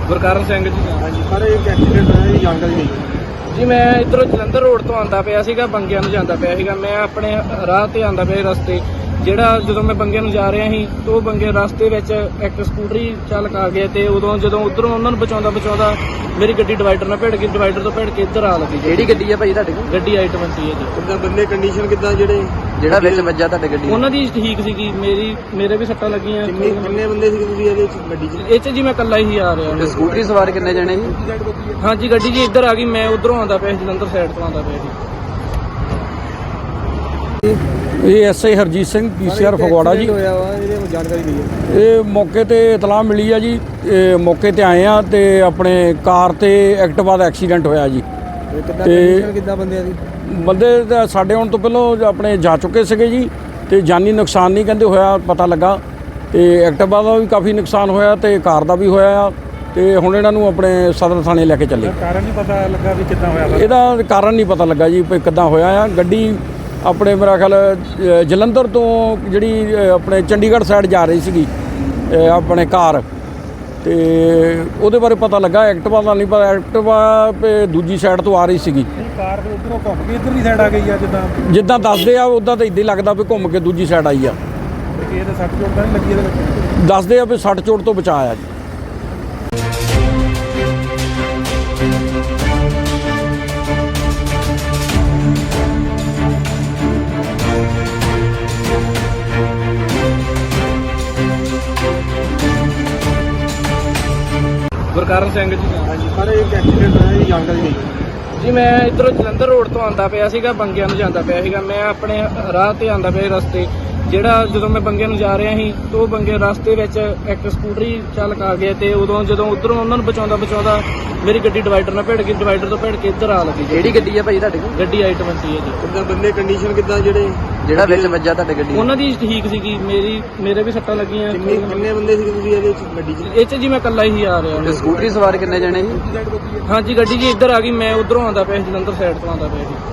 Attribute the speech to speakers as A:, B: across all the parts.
A: ਗੁਰਕਰਨ ਸਿੰਘ ਜੀ।
B: ਹਾਂਜੀ ਸਰ, ਇੱਕ ਐਕਸੀਡੈਂਟ ਹੋਇਆ ਜੀ, ਜਾਣਕਾਰੀ ਦਿਓ
A: ਜੀ ਮੈਂ ਇੱਧਰੋਂ ਜਲੰਧਰ ਰੋਡ ਤੋਂ ਆਉਂਦਾ ਪਿਆ ਸੀਗਾ, ਬੰਗਿਆਂ ਨੂੰ ਜਾਂਦਾ ਪਿਆ ਸੀਗਾ। ਮੈਂ ਆਪਣੇ ਰਾਹ ਤੇ ਆਉਂਦਾ ਪਿਆ ਰਸਤੇ, ਜਿਹੜਾ ਜਦੋਂ ਮੈਂ ਬੰਗਿਆਂ ਨੂੰ ਜਾ ਰਿਹਾ ਸੀ ਤਾਂ ਉਹ ਬੰਗੇ ਰਸਤੇ ਵਿੱਚ ਇੱਕ ਸਕੂਟਰੀ ਚਾਲਕ ਆ ਗਿਆ ਤੇ ਉਦੋਂ ਜਦੋਂ ਉਧਰੋਂ ਉਹਨਾਂ ਨੂੰ ਬਚਾਉਂਦਾ ਮੇਰੀ ਗੱਡੀ ਡਿਵਾਈਡਰ ਨਾਲ ਭਿੜ ਗਈ। ਡਿਵਾਈਡਰ ਤੋਂ ਭਿੜ ਕੇ ਇੱਧਰ ਆ ਲੱਗੀ।
C: ਕਿਹੜੀ ਗੱਡੀ ਆ ਭਾਈ ਤੁਹਾਡੇ ਕੋਲ?
A: ਗੱਡੀ i20 ਹੈ ਜੀ।
B: ਕਿੱਦਾਂ ਬੰਦੇ ਕੰਡੀਸ਼ਨ ਕਿੱਦਾਂ
C: ਜਿਹੜਾ ਵਿੱਚ ਵੱਜਾ ਤੁਹਾਡੇ ਗੱਡੀ?
A: ਉਹਨਾਂ ਦੀ ਠੀਕ ਸੀਗੀ, ਮੇਰੇ ਵੀ ਸੱਟਾਂ ਲੱਗੀਆਂ।
B: ਕਿੰਨੇ ਬੰਦੇ ਸੀ ਤੁਸੀਂ ਇਹਦੇ ਵਿੱਚ ਗੱਡੀ 'ਚ?
A: ਇਹ 'ਚ ਜੀ ਮੈਂ ਇਕੱਲਾ ਹੀ ਆ ਰਿਹਾ।
C: ਤੇ ਸਕੂਟਰੀ ਸਵਾਰ ਕਿੰਨੇ ਜਣੇ ਸੀ?
A: ਹਾਂਜੀ ਗੱਡੀ ਜੀ ਇੱਧਰ ਆ ਗਈ, ਮੈਂ ਉਧਰੋਂ ਆਉਂਦਾ ਪਿਆ, ਜਲੰਧਰ ਸਾਈਡ ਤੋਂ ਆਉਂਦਾ ਪਿਆ ਜੀ।
D: ਇਹ ਐਸਆਈ ਹਰਜੀਤ ਸਿੰਘ ਪੀਸੀਆਰ ਫਗਵਾੜਾ ਜੀ।
B: ਹੋਇਆ ਵਾ, ਇਹਦੇ ਜਾਣਕਾਰੀ ਦਿਓ।
D: ਇਹ ਮੌਕੇ ਤੇ ਇਤਲਾਹ ਮਿਲੀ ਆ ਜੀ, ਇਹ ਮੌਕੇ ਤੇ ਆਏ ਆ ਤੇ ਆਪਣੇ ਕਾਰ ਤੇ ਐਕਟਿਵਾ ਦਾ ਐਕਸੀਡੈਂਟ ਹੋਇਆ ਜੀ।
B: ਕਿੱਦਾਂ ਬੰਦਿਆਂ ਦੀ?
D: ਬੰਦੇ ਤਾਂ ਸਾਡੇ ਆਉਣ ਤੋਂ ਪਹਿਲਾਂ ਆਪਣੇ ਜਾ ਚੁੱਕੇ ਸੀਗੇ ਜੀ, ਤੇ ਜਾਨੀ ਨੁਕਸਾਨ ਨਹੀਂ ਕਹਿੰਦੇ ਹੋਇਆ ਪਤਾ ਲੱਗਾ। ਤੇ ਐਕਟਿਵਾ ਦਾ ਵੀ ਕਾਫੀ ਨੁਕਸਾਨ ਹੋਇਆ ਤੇ ਕਾਰ ਦਾ ਵੀ ਹੋਇਆ ਆ। ਤੇ ਹੁਣ ਇਹਨਾਂ ਨੂੰ ਆਪਣੇ ਸਦਰ ਥਾਣੇ ਲੈ ਕੇ ਚੱਲੇ।
B: ਕਾਰਨ ਨਹੀਂ ਪਤਾ ਲੱਗਾ ਵੀ ਕਿੱਦਾਂ ਹੋਇਆ?
D: ਇਹਦਾ ਕਾਰਨ ਨਹੀਂ ਪਤਾ ਲੱਗਾ ਜੀ ਵੀ ਕਿੱਦਾਂ ਹੋਇਆ ਆ। ਗੱਡੀ ਆਪਣੇ ਮੇਰਾ ਖਿਆਲ ਜਲੰਧਰ ਤੋਂ ਜਿਹੜੀ ਆਪਣੇ ਚੰਡੀਗੜ੍ਹ ਸਾਈਡ ਜਾ ਰਹੀ ਸੀਗੀ ਆਪਣੇ ਕਾਰ, ਤੇ ਉਹਦੇ ਬਾਰੇ ਪਤਾ ਲੱਗਾ। ਐਕਟਿਵਾ ਦਾ ਨਹੀਂ ਪਤਾ, ਐਕਟਿਵਾ ਦੂਜੀ ਸਾਈਡ ਤੋਂ ਆ ਰਹੀ ਸੀਗੀ।
B: ਕਾਰ ਉਧਰੋਂ ਘੁੰਮ ਕੇ ਇੱਧਰਲੀ ਸਾਈਡ ਆ ਗਈ ਆ,
D: ਜਿੱਦਾਂ ਦੱਸਦੇ ਆ ਉੱਦਾਂ ਤਾਂ ਇੱਦਾਂ ਹੀ ਲੱਗਦਾ ਵੀ ਘੁੰਮ ਕੇ ਦੂਜੀ ਸਾਈਡ ਆਈ ਆ।
B: ਇਹ ਤਾਂ ਸੱਟ ਚੋਟ ਤਾਂ ਨਹੀਂ ਲੱਗੀ ਇਹਦੇ ਵਿੱਚ?
D: ਦੱਸਦੇ ਆ ਵੀ ਸੱਟ ਚੋਟ ਤੋਂ ਬਚਾਅ ਆ ਜੀ।
A: ਗੁਰਕਰਨ ਸਿੰਘ ਜੀ।
B: ਹਾਂਜੀ ਸਰ, ਇੱਕ ਐਕਸੀਡੈਂਟ ਹੋਇਆ ਜੀ, ਜਾਣਕਾਰੀ ਦਿਓ।
A: ਜੀ ਮੈਂ ਇੱਧਰੋਂ ਜਲੰਧਰ ਰੋਡ ਤੋਂ ਆਉਂਦਾ ਪਿਆ ਸੀਗਾ, ਬੰਗਿਆਂ ਨੂੰ ਜਾਂਦਾ ਪਿਆ ਸੀਗਾ। ਮੈਂ ਆਪਣੇ ਰਾਹ ਤੇ ਆਉਂਦਾ ਪਿਆ ਰਸਤੇ, ਜਿਹੜਾ ਜਦੋਂ ਮੈਂ ਬੰਗਿਆਂ ਨੂੰ ਜਾ ਰਿਹਾ ਸੀ ਤਾਂ ਉਹ ਬੰਗੇ ਰਸਤੇ ਵਿੱਚ ਇੱਕ ਸਕੂਟਰੀ ਚਾਲਕ ਆ ਗਿਆ ਤੇ ਉਦੋਂ ਜਦੋਂ ਉਧਰੋਂ ਉਹਨਾਂ ਨੂੰ ਬਚਾਉਂਦਾ ਮੇਰੀ ਗੱਡੀ ਡਿਵਾਈਡਰ ਨਾਲ ਭਿੜ ਗਈ। ਡਿਵਾਈਡਰ ਤੋਂ ਭਿੜ ਕੇ ਇੱਧਰ ਆ ਲੱਗੀ।
C: ਕਿਹੜੀ ਗੱਡੀ ਆ ਭਾਈ ਤੁਹਾਡੇ ਕੋਲ?
A: ਗੱਡੀ i20 ਹੈ ਜੀ।
B: ਕਿੱਦਾਂ ਬੰਦੇ ਕੰਡੀਸ਼ਨ ਕਿੱਦਾਂ
C: ਜਿਹੜਾ ਵਿੱਚ ਵੱਜਾ ਤੁਹਾਡੇ ਗੱਡੀ?
A: ਉਹਨਾਂ ਦੀ ਠੀਕ ਸੀਗੀ, ਮੇਰੇ ਵੀ ਸੱਟਾਂ ਲੱਗੀਆਂ।
B: ਕਿੰਨੇ ਬੰਦੇ ਸੀ ਤੁਸੀਂ ਇਹਦੇ ਵਿੱਚ ਗੱਡੀ 'ਚ?
A: ਇਹ 'ਚ ਜੀ ਮੈਂ ਇਕੱਲਾ ਹੀ ਆ ਰਿਹਾ।
C: ਤੇ ਸਕੂਟਰੀ ਸਵਾਰ ਕਿੰਨੇ ਜਣੇ ਸੀ?
A: ਹਾਂਜੀ ਗੱਡੀ ਜੀ ਇੱਧਰ ਆ ਗਈ, ਮੈਂ ਉਧਰੋਂ ਆਉਂਦਾ ਪਿਆ, ਜਲੰਧਰ ਸਾਈਡ ਤੋਂ ਆਉਂਦਾ ਪਿਆ ਜੀ।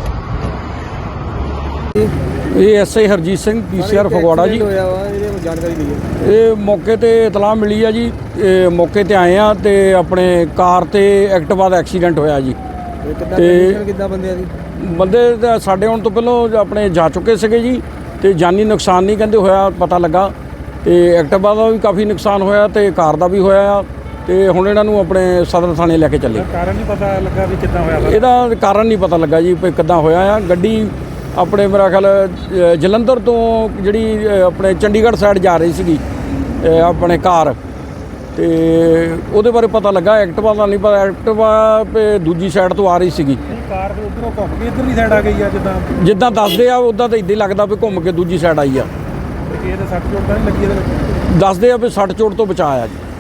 D: ਇਹ ਐਸਆਈ ਹਰਜੀਤ ਸਿੰਘ ਪੀਸੀਆਰ ਫਗਵਾੜਾ ਜੀ।
B: ਹੋਇਆ ਵਾ, ਇਹਦੇ ਜਾਣਕਾਰੀ ਦਿਓ।
D: ਇਹ ਮੌਕੇ ਤੇ ਇਤਲਾਹ ਮਿਲੀ ਆ ਜੀ, ਇਹ ਮੌਕੇ ਤੇ ਆਏ ਆ ਤੇ ਆਪਣੇ ਕਾਰ ਤੇ ਐਕਟਿਵਾ ਦਾ ਐਕਸੀਡੈਂਟ ਹੋਇਆ ਜੀ।
B: ਕਿੱਦਾਂ ਬੰਦਿਆਂ ਦੀ?
D: ਬੰਦੇ ਤਾਂ ਸਾਡੇ ਆਉਣ ਤੋਂ ਪਹਿਲਾਂ ਆਪਣੇ ਜਾ ਚੁੱਕੇ ਸੀਗੇ ਜੀ, ਤੇ ਜਾਨੀ ਨੁਕਸਾਨ ਨਹੀਂ ਕਹਿੰਦੇ ਹੋਇਆ ਪਤਾ ਲੱਗਾ। ਤੇ ਐਕਟਿਵਾ ਦਾ ਵੀ ਕਾਫੀ ਨੁਕਸਾਨ ਹੋਇਆ ਤੇ ਕਾਰ ਦਾ ਵੀ ਹੋਇਆ ਆ। ਤੇ ਹੁਣ ਇਹਨਾਂ ਨੂੰ ਆਪਣੇ ਸਦਰ ਥਾਣੇ ਲੈ ਕੇ ਚੱਲੇ।
B: ਕਾਰਨ ਨਹੀਂ ਪਤਾ ਲੱਗਾ ਵੀ ਕਿੱਦਾਂ ਹੋਇਆ?
D: ਇਹਦਾ ਕਾਰਨ ਨਹੀਂ ਪਤਾ ਲੱਗਾ ਜੀ ਵੀ ਕਿੱਦਾਂ ਹੋਇਆ ਆ। ਗੱਡੀ ਆਪਣੇ ਮੇਰਾ ਖਿਆਲ ਜਲੰਧਰ ਤੋਂ ਜਿਹੜੀ ਆਪਣੇ ਚੰਡੀਗੜ੍ਹ ਸਾਈਡ ਜਾ ਰਹੀ ਸੀਗੀ ਆਪਣੇ ਕਾਰ, ਤੇ ਉਹਦੇ ਬਾਰੇ ਪਤਾ ਲੱਗਾ। ਐਕਟਿਵਾ ਦਾ ਨਹੀਂ ਪਤਾ, ਐਕਟਿਵਾ ਦੂਜੀ ਸਾਈਡ ਤੋਂ ਆ ਰਹੀ ਸੀਗੀ।
B: ਕਾਰ ਉਧਰੋਂ ਘੁੰਮ ਕੇ ਇੱਧਰਲੀ ਸਾਈਡ ਆ ਗਈ ਆ,
D: ਜਿੱਦਾਂ ਦੱਸਦੇ ਆ ਉੱਦਾਂ ਤਾਂ ਇੱਦਾਂ ਹੀ ਲੱਗਦਾ ਵੀ ਘੁੰਮ ਕੇ ਦੂਜੀ ਸਾਈਡ ਆਈ ਆ।
B: ਇਹ ਤਾਂ ਸੱਟ ਚੋਟ ਤਾਂ ਨਹੀਂ ਲੱਗੀ ਇਹਦੇ ਵਿੱਚ?
D: ਦੱਸਦੇ ਆ ਵੀ ਸੱਟ ਚੋਟ ਤੋਂ ਬਚਾਅ ਆ ਜੀ।